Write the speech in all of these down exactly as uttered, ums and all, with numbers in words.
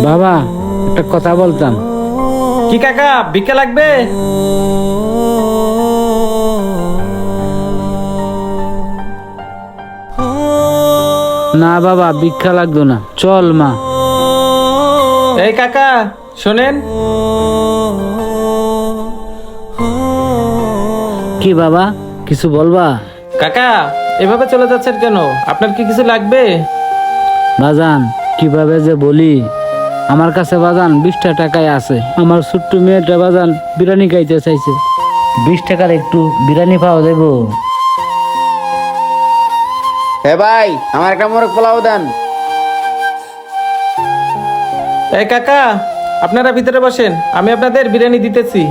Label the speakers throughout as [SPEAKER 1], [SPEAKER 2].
[SPEAKER 1] বাবা একটা কথা বলতাম।
[SPEAKER 2] কি কাকা ভিক্ষা লাগবে?
[SPEAKER 1] না বাবা ভিক্ষা লাগতো না, চল মা।
[SPEAKER 2] এই কাকা শোনেন,
[SPEAKER 1] কি বাবা কিছু বলবা?
[SPEAKER 2] কাকা এভাবে চলে যাচ্ছেন কেন? আপনার কি কিছু লাগবে?
[SPEAKER 1] বাজান কিভাবে যে বলি, আমার কাছে বাজান বিশটা টাকায় আছে। আমার ছোট্ট মেয়েটা বাজান বিরিয়ানি খাইতে চাইছে, বিশ টাকার একটু বিরিয়ানি পাওয়া যাবো?
[SPEAKER 3] হে ভাই, আমার একটা মোরগ পোলাও দেন।
[SPEAKER 2] এই কাকা আপনারা ভিতরে বসেন, আমি আপনাদের বিরিয়ানি দিতেছি।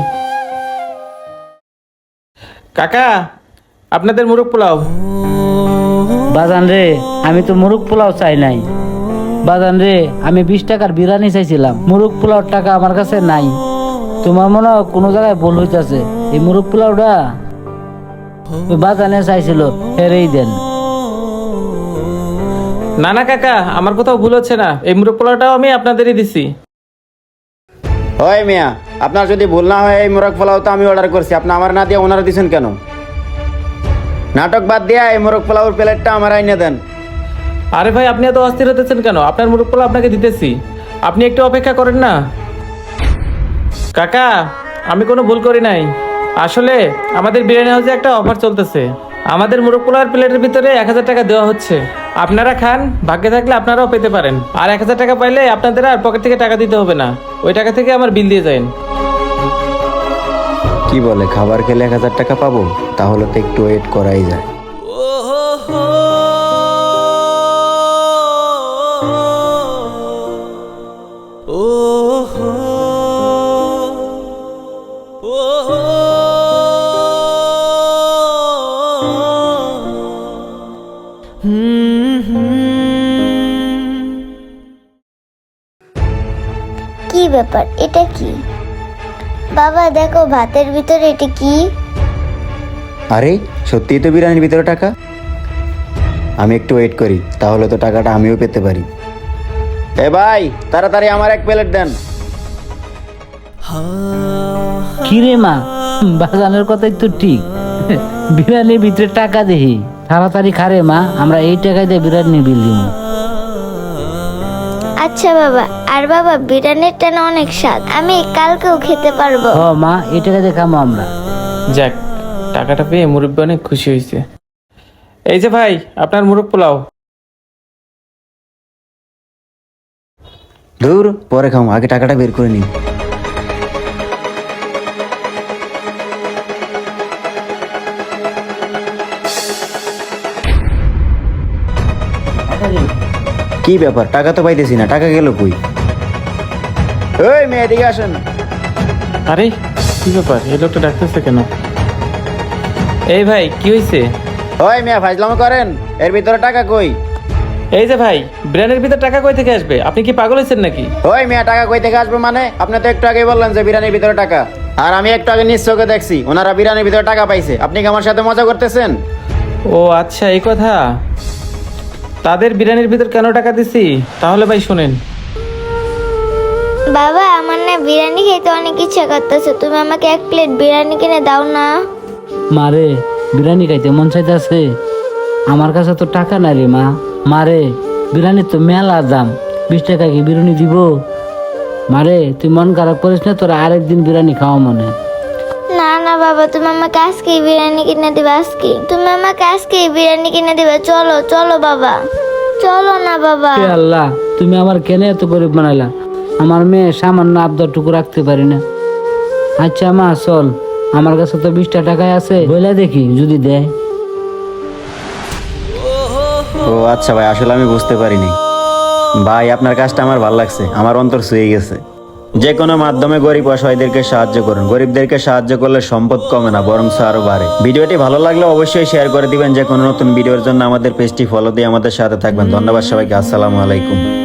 [SPEAKER 2] কাকা আপনাদের মুরগ পোলাও।
[SPEAKER 1] বাজান রে আমি তো মুরগ পোলাও চাই নাই। বাজান রে আমি বিশ টাকার বিরিয়ানি চাইছিলাম, মুরগ পোলাওর টাকা আমার কাছে নাই। তোমার মনে হয় কোনো জায়গায় ভুল হইতেছে। এই মুরগ পোলাওটা ওই বাজানে চাইছিল, হেরেই দেন।
[SPEAKER 2] না না কাকা, আমার কোথাও ভুল হচ্ছে না, এই মুরগ পোলাওটাও আমি আপনাদেরই দিছি।
[SPEAKER 3] হয় মিয়া, আপনার যদি ভুল না হয় এই মোরগ পোলাও তো আমি অর্ডার করছি, আপনি আমার না দিয়ে ওনারা দিচ্ছেন কেন? নাটক বাদ দিয়া এই মোরগ পোলাওর প্লেটটা আমার আইনে দেন।
[SPEAKER 2] আরে ভাই আপনি এত অস্থির হতেছেন কেন? আপনার মুরগ পোলাও আপনাকে দিতেছি, আপনি একটু অপেক্ষা করেন না। কাকা আমি কোনো ভুল করি নাই, আসলে আমাদের বিরিয়ানি হাউসে একটা অফার চলতেছে। আমাদের মুরগ পোলাওর প্লেটের ভিতরে এক হাজার টাকা দেওয়া হচ্ছে, আপনারা খান, ভাগ্যে থাকলে আপনারাও পেতে পারেন। আর এক হাজার টাকা পাইলে আপনাদের আর পকেট থেকে টাকা দিতে হবে না, ওই টাকা থেকে আমার বিল দিয়ে যান।
[SPEAKER 3] কি বলে, খাবার খেলে এক হাজার টাকা পাবো? তাহলে তো একটু ওয়েট করাই যায়।
[SPEAKER 4] কি ব্যাপার, এটা কি? বাবা দেখো ভাতের ভিতরে এটা কি?
[SPEAKER 3] আরে সত্যিই তো বিরিয়ানির ভিতরে টাকা। আমি একটু ওয়েট করি, তাহলে তো টাকাটা আমিও পেতে পারি। এ ভাই, তাড়াতাড়ি আমার এক প্লেট দেন।
[SPEAKER 1] কি রে মা, বাজানের কথাই তো ঠিক। বিরিয়ানির ভিতরে টাকা দেখি, তাড়াতাড়ি খারে মা, আমরা এই টাকায় দিয়ে বিরিয়ানির বিল দিব।
[SPEAKER 4] আচ্ছা বাবা। আর বাবা বিরিয়ানির টানা অনেক স্বাদ, আমি কালকেও খেতে পারবো।
[SPEAKER 1] হ মা, এই টাকা দিয়ে খামো আমরা।
[SPEAKER 2] যাক, টাকাটা পেয়ে মুরব্বী অনেক খুশি হয়েছে। এই যে ভাই আপনার মুরগ পোলাও।
[SPEAKER 3] ধুর, পরে খাও, আগে টাকাটা বের করে নিই। কি ব্যাপার, টাকা তো পাইতেছি না, টাকা গেল কই? ওই মেয়ে এদিকে আসেন।
[SPEAKER 2] আরে কি ব্যাপার, এই লোকটা ডাকতেছে কেন? এই ভাই কি হয়েছে?
[SPEAKER 3] ওই মেয়ে ফাজলামো করেন, এর ভিতরে টাকা কই?
[SPEAKER 2] এই যে ভাই, বিরিয়ানির ভিতর টাকা কই থেকে আসবে? আপনি কি পাগল হয়েছেন নাকি?
[SPEAKER 3] ওই মেয়ে টাকা কই থেকে আসবে মানে? আপনি তো একটু আগে বললেন যে বিরিয়ানির ভিতরে টাকা, আর আমি একটু আগে নিজ চোখে দেখছি ওনারা বিরিয়ানির ভিতরে টাকা পাইছে। আপনি কি আমার সাথে মজা করতেছেন?
[SPEAKER 2] ও আচ্ছা এই কথা। তাদের বিরিয়ানির ভিতর কেন টাকা দিছি তাহলে ভাই শুনেন।
[SPEAKER 4] বাবা আমার না বিরিয়ানি খেতে অনেক ইচ্ছা করতেছে, তুমি আমাকে এক প্লেট বিরিয়ানি কিনে দাও না।
[SPEAKER 1] মারে বিরিয়ানি খাইতে মন চাইতেছে, আমার কাছে তো টাকা নাই রে মা। মারে বিরিয়ানি তো মেলা দাম, বিশ টাকা কি বিরিয়ানি দিব? মারে তুই মন খারাপ করিস না, তোরা আরেকদিন বিরিয়ানি খাওয়া মনে।
[SPEAKER 4] না না বাবা, তুমি আমাকে আজকেই বিরিয়ানি কিনে দিবে। আজকে তুমি আমাকে আজকেই বিরিয়ানি কিনে দিবে। চলো চলো বাবা, চলো না বাবা।
[SPEAKER 1] হে আল্লাহ, তুমি আমার কেন এত গরিব বানাইলা? আমার মেয়ে সামান্য আবদারটুকু রাখতে পারি না। আচ্ছা মা চল, আমার কাছে তো বিশটা টাকায় আছে, বইলা দেখি যদি দেয়।
[SPEAKER 3] ও আচ্ছা ভাই, আসলে আমি বুঝতে পারিনি। ভাই আপনার কাজটা আমার ভালো লাগছে, আমার অন্তর ছুঁয়ে গেছে। যে কোনো মাধ্যমে গরিব অসহায়দেরকে সাহায্য করুন। গরিবদেরকে সাহায্য করলে সম্পদ কমে না, বরং আরো বাড়ে। ভিডিওটি ভালো লাগলে অবশ্যই শেয়ার করে দিবেন। যে কোনো নতুন ভিডিওর জন্য আমাদের পেজটি ফলো দিয়ে আমাদের সাথে থাকবেন। ধন্যবাদ সবাইকে, আসসালামু আলাইকুম।